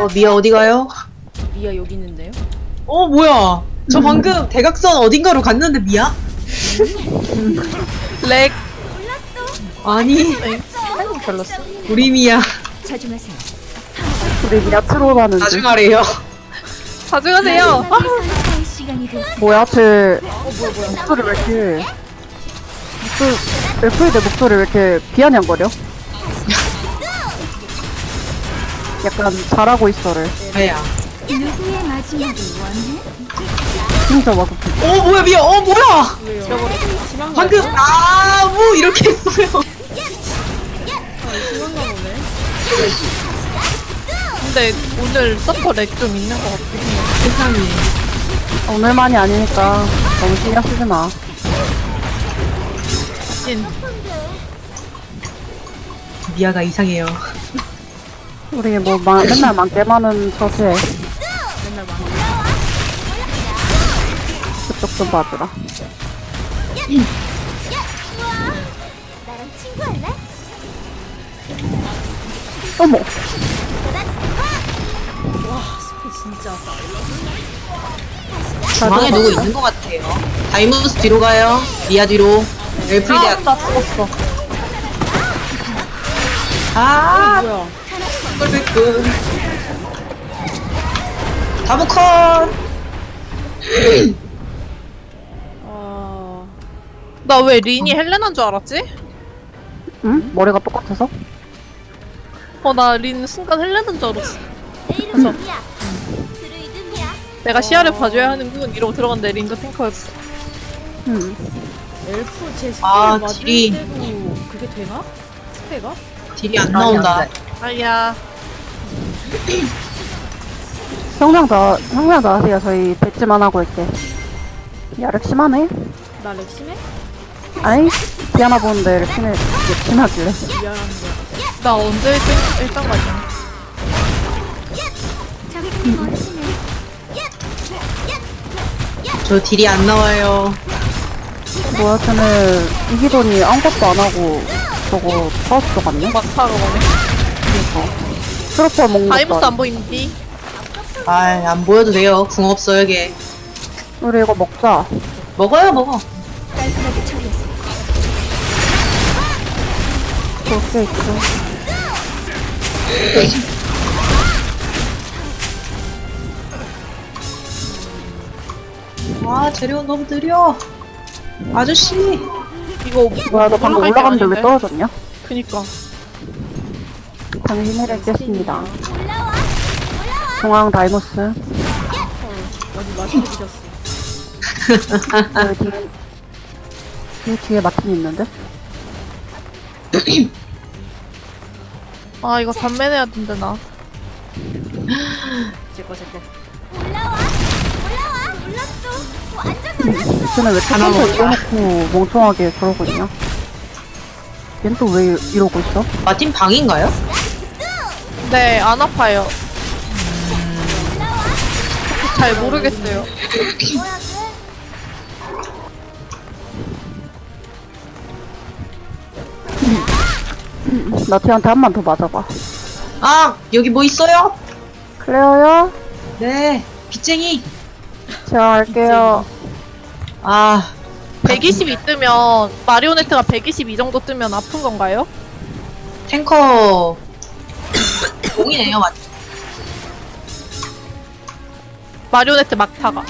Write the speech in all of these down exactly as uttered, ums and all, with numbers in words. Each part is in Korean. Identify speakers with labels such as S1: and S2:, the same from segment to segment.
S1: 어, 미아 어디 가요?
S2: 미아 여기 있는데요?
S1: 어, 뭐야. 저 방금 대각선 어딘가로 갔는데 미아?
S3: 렉.
S1: 아니,
S3: 별로였어.
S1: 우리 미아.
S4: 자중하세요.
S5: 우리 미아 트롤하는 중.
S1: 나중하래요.
S3: 가져가세요.
S4: 할 시간이 됐어.
S5: 뭐야, 쟤. 목소리 왜 이렇게. 목소리, 엘프의 내 목소리 왜 이렇게 비아냥거려? 약간 잘하고 있어를.
S1: 아야.
S4: 누구의 마지막을 원해?
S5: 진짜 와서
S1: 어, 뭐야, 미아. 어, 뭐야.
S2: 심한 거
S1: 방금, 아, 뭐, 이렇게 했어요.
S2: 심한가 보네.
S3: 근데 오늘 서퍼 렉 좀 있는 것 같긴 해요.
S1: 세상에.
S5: 오늘만이 아니니까 너무 신경 쓰지 마.
S3: 진.
S1: 미아가 이상해요.
S5: 우리 뭐 마, 맨날 많게 많은 처지에
S2: 맨날 막
S5: 그쪽 좀 봐주라.
S4: 나랑 친구할래?
S5: 어머!
S2: 진짜.
S1: 중앙에 누구 있는 것 같아요. 다이무스 뒤로 가요. 미아 뒤로. 엘프리데
S3: 아, 나 죽었어.
S1: 아,
S2: 뭐야?
S1: 꿀꿀꿀. 다보컷.
S2: 아,
S3: 나 왜 린이 헬레나인 줄 알았지?
S5: 응? 머리가 똑같아서?
S3: 어, 나 린 순간 헬레나인 줄 알았어.
S4: 내 이름은 미야. 드루이드 미야.
S3: 내가 시야를 봐줘야 하는군 이러고 들어갔는데 린도 탱커였어.
S5: 응.
S2: 엘프 제 스킬
S1: 아,
S2: 맞을
S1: 딜이.
S2: 때도 그게 되나? 스페가?
S1: 딜이 안 나온다.
S3: 아야.
S5: 형량 다, 형량 다 하세요. 저희 배치만 하고 있게. 야, 렉 심하네?
S2: 나 렉심해?
S5: 아이, 디아나 보는데 렉 심해, 렉 심하길래.
S2: 미안한데.
S3: 나 언제 일등, 일등 가냐.
S4: 저기 멋지네.
S1: 저 딜이 안 나와요.
S5: 뭐야, 쟤는 이기더니 아무것도 안 하고 저거 파우스 갔네?
S3: 막타로 가네.
S5: 트로퍼 먹는
S3: 다이무스
S5: 것도
S3: 안 보이는디?
S1: 아, 안 보여도 돼요. 궁 없어요, 걔.
S5: 우리 이거 먹자.
S1: 먹어요, 먹어.
S4: 깔끔하게 처리했어.
S5: 그렇게 있어.
S1: 아, 재료는 너무 느려. 아저씨.
S3: 이거
S5: 뭐야, 너 방금
S3: 올라갈 게
S5: 올라갔는데 왜
S3: 아닌데?
S5: 떨어졌냐?
S3: 그니까.
S5: 당신을 뵙겠습니다. 중앙 다이모스.
S2: 어디 마시드셨어.
S5: 여기 뒤에, 여기 뒤에 마틴 있는데?
S3: 아, 이거 단매내야 된다, 나.
S2: 제거 제거.
S4: 올라와. 올라와. 올랐어. 완전 올랐어.
S5: 쟤는 왜
S1: 하나
S5: 탑에서
S1: 먹자.
S5: 이겨놓고 멍청하게 그러고 있냐? 얜 또 왜 이러고 있어?
S1: 마틴 방인가요?
S3: 네, 안 아파요. 잘 모르겠어요.
S4: 뭐야 돼?
S5: 나티한테 한 번 더 맞아봐.
S1: 아, 여기 뭐 있어요?
S5: 클레어요?
S1: 네, 빚쟁이.
S5: 제가 할게요.
S1: 아,
S3: 백이십이 뜨면, 마리오네트가 백이십이 정도 뜨면 아픈 건가요?
S1: 탱커. 공이네요, 마틴.
S3: 마리오네트 막타가.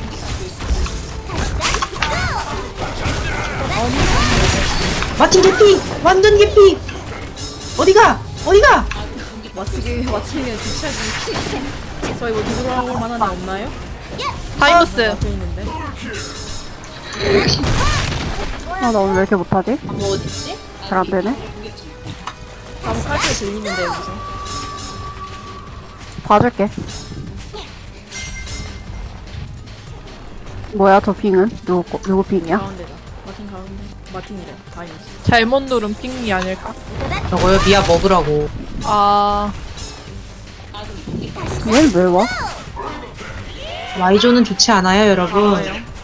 S1: 마틴 개피! 완전 개피! 어디가? 어디가?
S2: 마치기 마치기는 뒤차지. 저희 뭐 누구랑 만한 애 없나요?
S3: 다이무스.
S2: 앞에 있는데.
S5: 아, 나 오늘 왜 이렇게 못하지?
S1: 뭐 어딨지?
S5: 잘 안 되네.
S2: 아무 칼질 들리는데 여기서.
S5: 봐줄게. 뭐야, 저 빙은? 누구, 거- 누구 빙이야?
S2: 가운데다. 마틴 가운데. 마틴이래. 다이너스.
S3: 잘못 누른 핑이 아닐까?
S1: 저거요, 미아 먹으라고.
S3: 아,
S5: 얘는 왜 와?
S1: 와이존은 좋지 않아요, 여러분.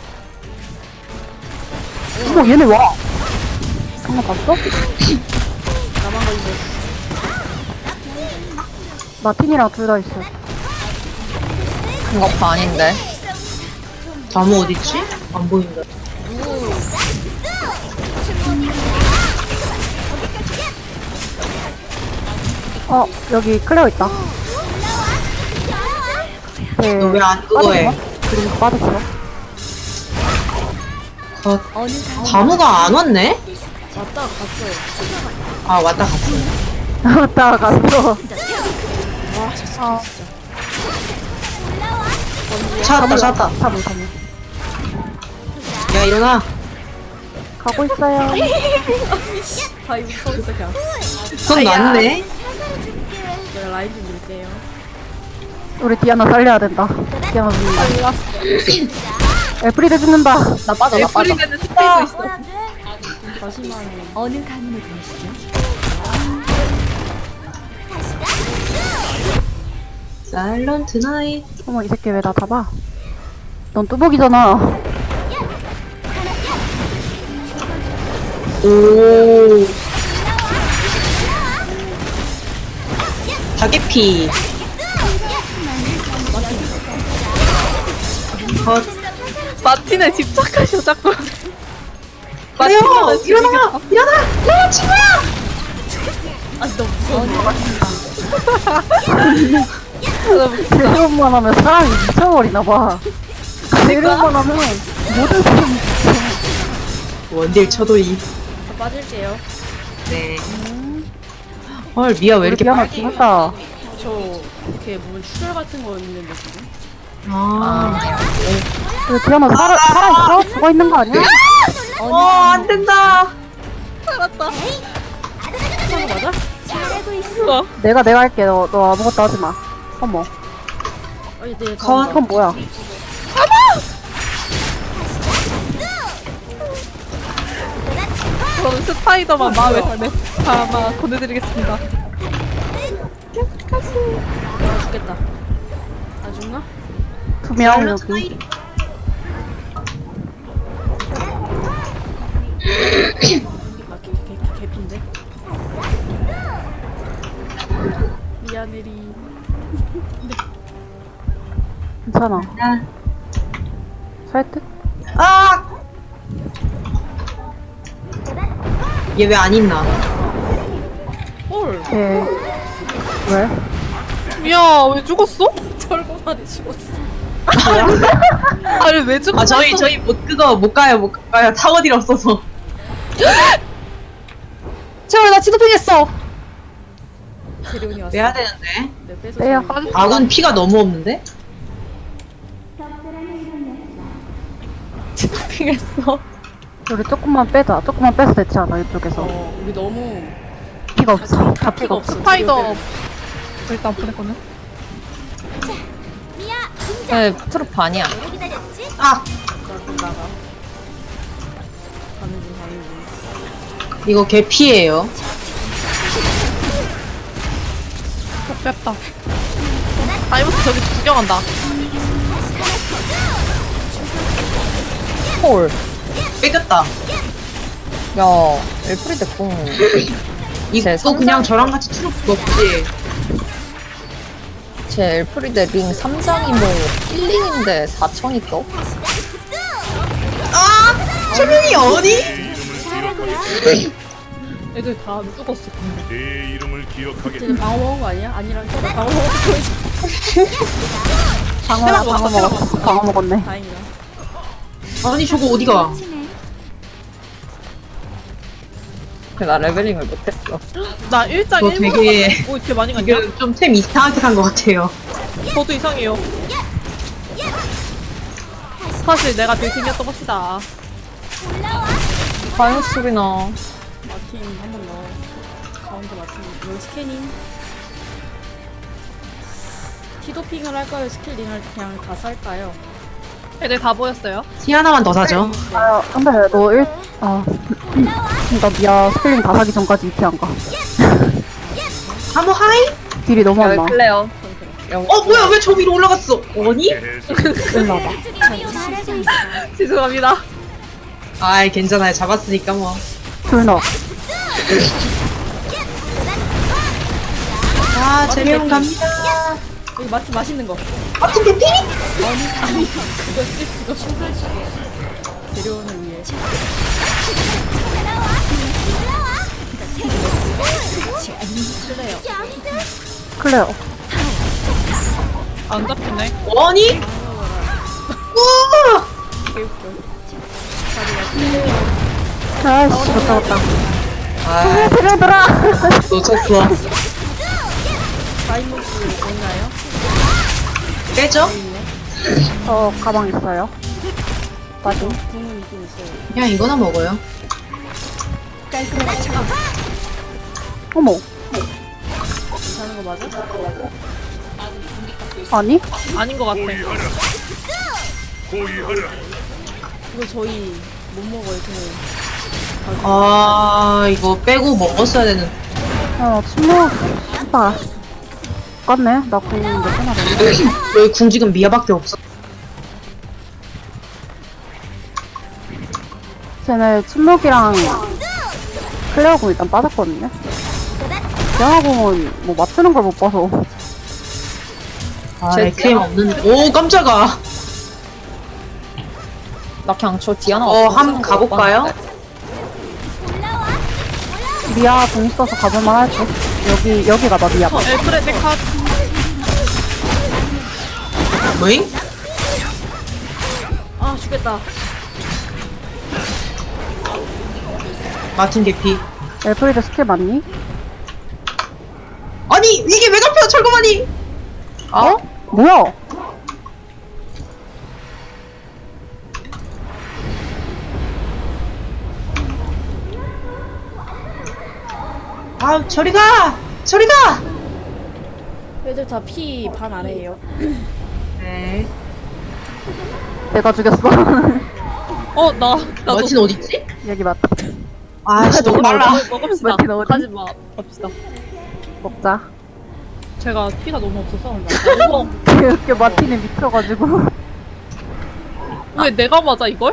S5: 어머, 얘네 와! 방금 봤어?
S2: 나만 걸리고.
S5: 마틴이랑 둘 다 있어.
S6: 이거 아닌데.
S1: 다무 어딨지? 안 보인다.
S5: 어, 여기 클레어 있다. 네.
S1: 너 왜 안 그거 해?
S5: 그리고 빠졌어.
S1: 거, 다무가 안 왔네?
S2: 왔다 갔어요.
S1: 아, 왔다 갔어.
S5: 왔다 갔어.
S1: 찾았다, 찾았다.
S5: 사무, 사무.
S1: 야, 일어나.
S5: 가고 있어요.
S2: 다이브 서 있어 그냥.
S1: 손 났네.
S2: 내가 라인 좀 밀게요.
S5: 우리 디아나 살려야 된다. 디아나 죽는다. 에프리드 죽는다.
S6: 나 빠져, 나 빠져.
S3: 애플리드는 스페이도 있어.
S2: 다시만
S4: 어느 가문에 계시죠?
S1: 사일런트 나잇.
S5: 어머, 이 새끼 왜 나 잡아? 넌 뚜벅이잖아.
S1: 오. 다개피. 컷.
S3: 마틴에 집착하셔 자꾸.
S1: 그래요!
S3: 마틴은
S1: 일어나! 일어나! 일어나, 친구야!
S2: 아 너무 무서워.
S5: 대련만 하면 사람이 미쳐버리나봐. 대련만 하면 모든 사람이
S1: 원딜 쳐도이.
S2: 저 빠질게요.
S1: 네. 헐, 미아 왜
S5: 우리
S1: 이렇게
S5: 디아나
S1: 빨개?
S5: 죽었다.
S2: 저 이렇게 무슨 출혈 같은 거 있는데 지금.
S1: 아.
S5: 우리 디아나 살아, 살아있어? 죽어있는 거 아니야?
S1: 어, 안 된다.
S3: 살았다.
S2: 하는 거 맞아?
S4: 잘하고 있어.
S5: 내가 내가 할게. 너, 너 아무것도 하지 마. 어머,
S2: 어 이제
S1: 컷.
S5: 이건 뭐야?
S3: 저는 스파이더만 마음에 담에 아마 보내드리겠습니다.
S2: 아 죽겠다. 안 죽나?
S5: 두 명
S1: 사일런트
S5: 여기.
S1: 나잇.
S2: 아 개, 개, 개, 개핀데. 미안해리.
S5: 괜찮아. 살 듯?
S1: 아! 얘 왜 안 있나?
S2: 헐.
S5: 예. 왜?
S3: 미야 왜 죽었어?
S2: 철거만에 죽었어.
S3: 아니 왜 죽었어?
S1: 아, 저희, 저희 못, 그거 못 가요, 못 가요. 타워딜 없어서.
S6: 제발, 나 지도핑했어.
S2: 재료니 왔어.
S1: 내야 되는데.
S2: 네, 빼서
S5: 빼요.
S2: 저기-
S1: 아군 피가 너무 없는데?
S3: 지도핑했어.
S5: 우리 조금만 빼자. 조금만 빼서 대체하자, 이쪽에서.
S2: 어 우리 너무
S5: 피가 없어. 다
S2: 다
S5: 피가 없어.
S3: 스파이더 일단 보냈거든.
S4: 미야,
S6: 네, 트롯 반이야.
S4: 오래 기다렸지?
S1: 아!
S2: 나좀 나가. 가는 중 가는 중.
S1: 이거 개 피예요.
S3: 뺐다. 다이버스 저기 구경한다.
S6: 헐.
S1: 뺏겼다.
S6: 야, 엘프리드 궁.
S1: 이거
S6: 제
S1: 그냥 저랑 같이 트루프 먹지.
S6: 제 엘프리드 링 삼 장이 뭐 힐링인데 사천이 떠?
S1: 아! 최민이 어디?
S4: 잘하고 있어.
S3: 애들 다 죽었어.
S7: 내 이름을 기억하게.
S2: 쟤는 방어 먹은 거 아니야? 아니랑 쟤는 방어 먹고 있어.
S5: 방어, 방어 먹었어. 방어 먹었네.
S2: 다행이다.
S1: 아니, 저거 어디가?
S4: 치네.
S6: 나 레벨링을 못했어.
S3: 나 일장
S1: 너
S3: 일
S1: 되게-
S3: 오 이렇게 많이 갔냐?
S1: 지금 좀 템 이상하게 산 것 같아요.
S3: 저도 이상해요. 사실 내가 빌딩이었던 것이다.
S6: 과연 소리나.
S2: 마틴 한 번 넣어. 가운데 마틴. 여기 스캐닝. 티도핑을 할까요? 스킬링을 그냥 다 살까요?
S3: 애들 다 보였어요.
S1: 티 하나만 더 사죠.
S5: 아, 근데 너 일, 아. 나 미아 스펠링 다 사기 전까지 이렇게 안 가.
S1: 하모 하이?
S5: 딜이 너무 안
S6: 야,
S5: 나.
S6: 왜 클레어?
S1: 어, 뭐야, 왜 저 위로 올라갔어? 아니?
S5: 일로 와봐.
S4: 잘하고 있어.
S3: 죄송합니다.
S1: 아이, 괜찮아요. 잡았으니까 뭐.
S5: 둘 넣어.
S1: 아, 재미용 갑니다.
S2: 여기 마트 맛있는 거.
S1: 마틴 개피?
S2: 아니 아니 그거 쓰 그거 재료원을 위해.
S5: 클레어.
S3: 안 잡히네.
S1: 아니? 우와!
S2: 개웃겨.
S5: 아이씨, 못 잡았다.
S1: 아,
S5: 들어들어!
S1: 놓쳤어.
S2: 다이모스 있나요?
S1: 빼죠?
S5: 저 가방 있어요. 맞아.
S2: 궁은 있긴 있어요.
S1: 그냥 이거나 먹어요.
S5: 어머.
S2: 괜찮은 거 맞아?
S5: 아니?
S3: 아닌 것 같아.
S7: 호위하라. 호위하라.
S2: 이거 저희 못 먹어요. 저는
S1: 아, 이거 빼고 먹었어야 되는.
S5: 어, 침묵. 씨발. 똑같네. 나 궁 몇 개나 됐네.
S1: 여기 궁 지금 미아밖에 없어.
S5: 쟤네 침묵이랑 클레어 궁 일단 빠졌거든요. 대화 궁은 뭐 맞추는 걸 못 봐서.
S1: 아,
S6: 제
S1: 에크엠 없는. 오, 깜짝아.
S6: 나 그냥 저 디아나
S1: 어, 한번 가볼까요?
S5: 미아 궁 있어서 가볼만 할 듯. 여기, 여기 가봐, 미아.
S3: 저 엘프레 데카
S1: 뭐잉?
S2: 아 죽겠다.
S1: 마틴 개피.
S5: 엘프리드 스킬 맞니?
S1: 아니, 이게 왜 잡혀, 철거만이!
S5: 어? 뭐야?
S1: 아, 저리 가! 저리 가!
S2: 애들 다 피 반 아래에요.
S1: 네.
S5: 내가 죽였어.
S3: 어, 나, 나도.
S1: 마틴 어딨지?
S5: 여기 맞다.
S1: 아씨, 너무 빨라.
S3: 먹읍시다.
S5: 마틴 어디?
S3: 하지 마. 갑시다.
S5: 먹자.
S3: 제가 피가 너무 없어서. 어,
S5: 이렇게 마틴에 미쳐가지고.
S3: 왜 내가 맞아, 이걸?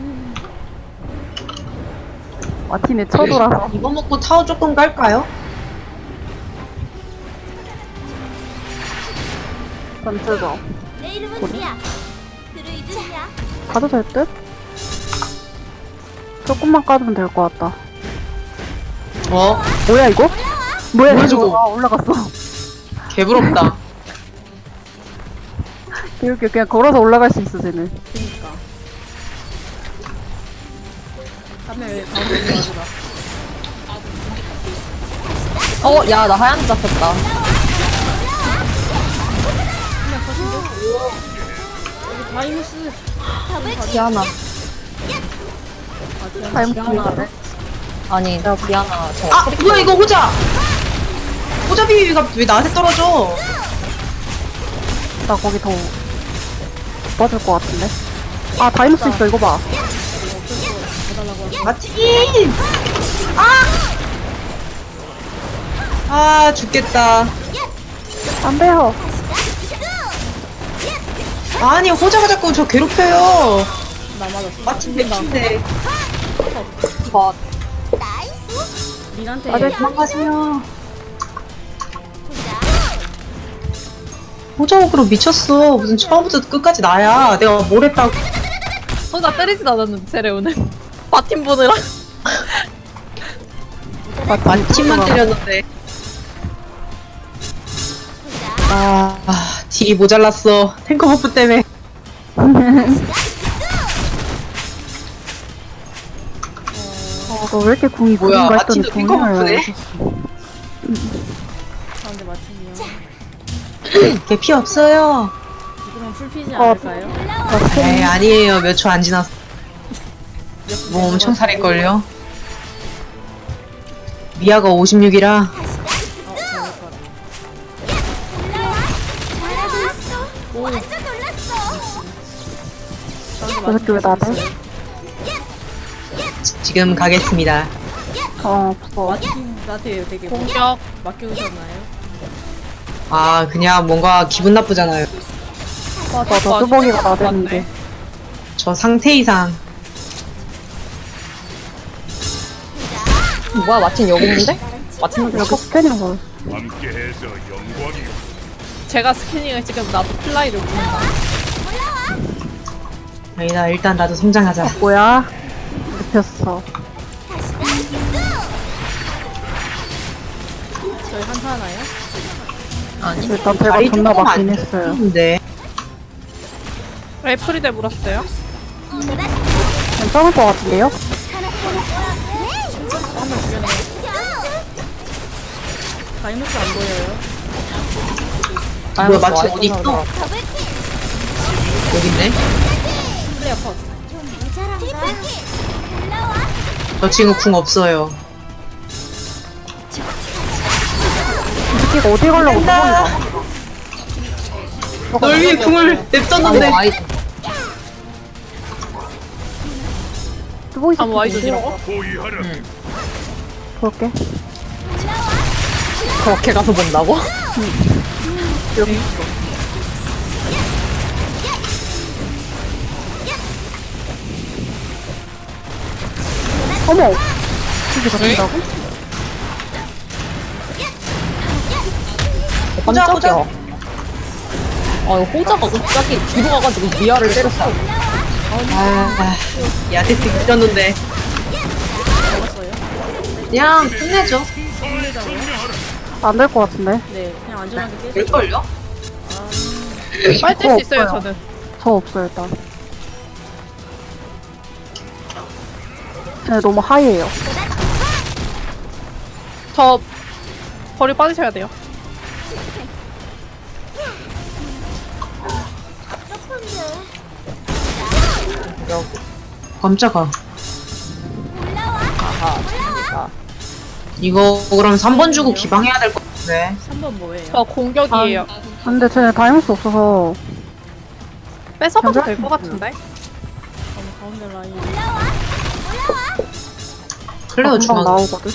S5: 마틴에 쳐돌아서.
S1: 이거 먹고 타워 조금 깔까요?
S5: 전체적.
S4: 내 이름은 리아. 드루이드야.
S5: 가도 될 듯? 조금만 까주면 될 것 같다.
S1: 어?
S5: 뭐야 이거? 뭐야
S1: 뭐야,
S5: 이거?
S1: 저거?
S5: 아, 올라갔어.
S1: 개부럽다.
S5: 이렇게 그냥 걸어서 올라갈 수 있어 쟤는.
S2: 그니까. 하면 왜 가운데 있는 거구나.
S6: 어, 야, 나 하얀 잡혔다.
S2: 여기 다이모스.
S6: 디아나.
S5: 타임
S6: 디아나. 아니, 디아나 저
S1: 아, 뭐야, 이거 호자! 호자 비비가 왜 나한테 떨어져?
S5: 나 거기 더 빠질 것 같은데. 아 다이노스 있어 이거 봐.
S1: 마틴! 아! 아, 죽겠다.
S5: 안 돼요.
S1: 아니, 호자가 자꾸 저 괴롭혀요.
S2: 나 맞았어.
S1: 마틴 개피인데.
S6: 저
S2: 민한테
S5: 아, 네.
S1: 도망가세요. 호자 og으로 미쳤어. 무슨 처음부터 끝까지 나야. 내가 뭘 했다고.
S3: 어, 나 때리진 않았는데, 제레오는. 바팀 보느라.
S1: 마틴만 때렸는데. 아, 아, 딜이 모자랐어. 탱커 버프 때문에.
S5: 어, 너 왜 이렇게 궁이
S1: 뭐야,
S5: 구린가 했더니
S1: 마틴도 탱커
S5: 궁을
S1: 버프네?
S2: 가운데 맞춤이야.
S1: 걔 피 없어요.
S2: 지금은 풀피지
S5: 어.
S2: 않을까요?
S1: 에이, 아니에요. 몇 초 안 지났어. 뭐 엄청 살일걸요? 미아가 오십육이라.
S2: 어, 잘할 거라.
S4: 잘하고 있어. 완전 놀랐어.
S2: 가운데
S5: 저 새끼 왜 나대?
S1: 지금 가겠습니다.
S5: 어 없어.
S2: 마틴한테 되게 뭐
S3: 공격.
S2: 맡겨오셨나요?
S1: 아, 그냥 뭔가 기분 나쁘잖아요.
S3: 와,
S5: 저 뚜벅이가 나대는데.
S1: 저 상태 이상.
S6: 뭐야, 마틴 여기 있는데? 마틴
S5: 여기 스캔이랑 걸.
S7: 함께해서 영광이요.
S3: 제가 스캐닝을 지금 나도 플라이를 보낸다.
S1: 아니다, 일단 나도 성장하자.
S5: 뭐야? 눕혔어.
S2: 저희 한타 하나요?
S6: 아니
S5: 일단 배가
S1: 다리
S5: 존나
S1: 조금
S5: 막힌
S1: 안
S5: 했어요.
S1: 좋은데.
S3: 애프리데 물었어요.
S5: 괜찮을 것 같은데요?
S2: 한번 주변에 다이노스 안 보여요.
S1: 뭐야, 마치 어디 있어? 여기 있네.
S2: 플레이어 컷.
S1: 저 친구 궁 없어요.
S5: 이 새끼가 어디 가려고 누구인가?
S1: 널 위해 궁을 냅뒀는데.
S6: 아무 아이
S5: 뜨고 있어.
S3: 아, 뭐 아이돌이라고?
S7: 호위하라.
S5: 볼게.
S6: 그렇게 가서 본다고?
S5: 여기. 어머! 이게 잡힌다고?
S6: 어, 깜짝이야. 아, 이거 호자가 갑자기 뒤로 가가지고 미아를 때렸어.
S1: 아, 야테트 잊었는데. 그냥 끝내죠.
S5: 안 될 것 같은데.
S2: 네, 그냥 안전하게 깨져.
S1: 될걸요?
S3: 빨리 뛸 수 있어요,
S5: 없어요.
S3: 저는.
S5: 저 없어요, 일단. 쟤 너무 하이에요.
S3: 저 벌이 빠지셔야 돼요.
S1: 깜짝아.
S6: 아하, 재밌다.
S1: 이거 그럼 삼 번 주고 기방해야 될 것 같은데.
S2: 삼 번 뭐예요?
S3: 저 공격이에요.
S5: 근데 쟤네 다이무스 없어서
S3: 뺏어봐도 될 것 같은데?
S2: 어, 가운데 라인.
S1: 클레어
S5: 금방
S1: 중앙.
S5: 나오거든.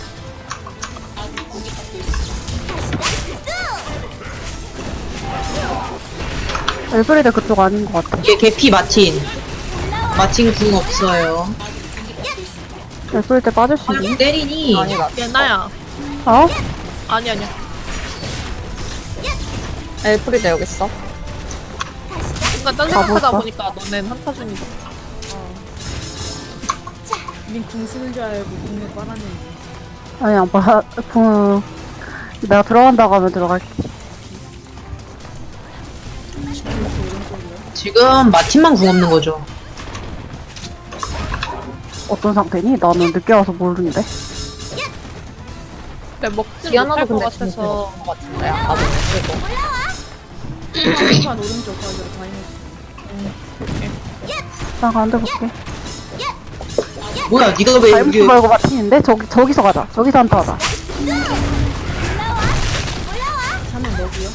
S5: 엘브리드 그쪽 아닌 것 같아.
S1: 얘 개피 마틴. 마틴 궁 없어요.
S5: 엘브리드 빠질 수 있니?
S1: 때리니.
S6: 아니다.
S3: 예나야.
S5: 어?
S3: 아니, 아니야.
S6: 엘프리데 여기 있어.
S3: 순간 딴
S5: 다
S3: 생각하다
S5: 볼까?
S3: 보니까 너넨 한타 중이다.
S2: 민궁 쓰는 줄 알고 궁을 빨았는데.
S5: 아니, 안 봐. 그, 내가 들어간다고 하면 들어갈게.
S1: 지금 마틴만 궁 없는 거죠.
S5: 어떤 상태니? 나는 늦게 와서 모르는데.
S3: 근데 먹지
S6: 디아나도
S3: 못할 것
S6: 근데 진짜
S3: 같아서.
S6: 그런 것 같은데. 아까 전에 쓰고.
S2: 한판 오른쪽 가기로 다이노스.
S5: 나 가운데 볼게.
S1: 뭐야, 네가 왜
S5: 다이무스
S1: 여기?
S5: 말고 마틴인데? 저기, 저기서 가자. 저기서 한타 하자.
S2: 하면 먹이요?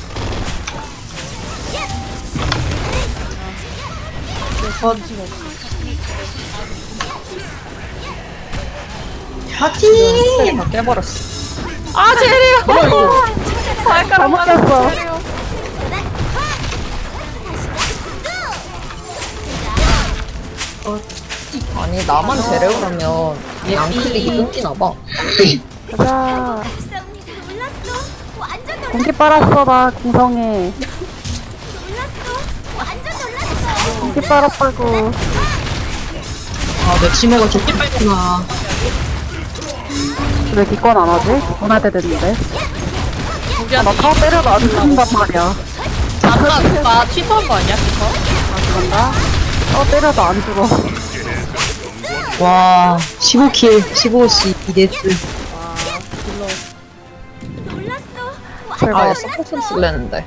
S1: 어, 마틴.
S6: 스펠이 다 깨버렸어.
S3: 아, 제리요!
S6: 뭐야, 이거?
S3: 발가락
S5: 잘못 꼈어.
S3: 제리요.
S6: 아니, 나만 제레오라면 양클릭이 끊기나봐.
S5: 가자.
S4: 놀랐어. 완전 놀랐어.
S5: 공기 빨았어, 나, 궁성에.
S4: 완전 놀랐어.
S5: 공기 빨았다고.
S1: 아, 내 치매가 좋게 빨구나.
S5: 왜 기권 안 하지? 기권할 때 됐는데. 아, 나 타워 때려도 안 죽는단 말이야.
S3: 아까 누가 취소한 거 아니야, 그거?
S5: 안 죽는다? 타워 때려도 안 죽어.
S1: 와, 십오 킬, 십오 씨, 이 데스.
S4: 놀랐어.
S5: 제가
S6: 아, 서포션 쓸랬는데.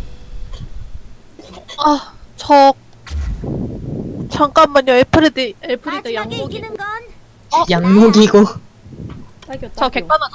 S3: 아, 저. 잠깐만요, 애프리드, 애프리드
S4: 마지막에
S3: 양복이.
S4: 이기는 건
S1: 양목이고.
S2: 딸겨,
S3: 저
S2: 딸겨.
S3: 객관화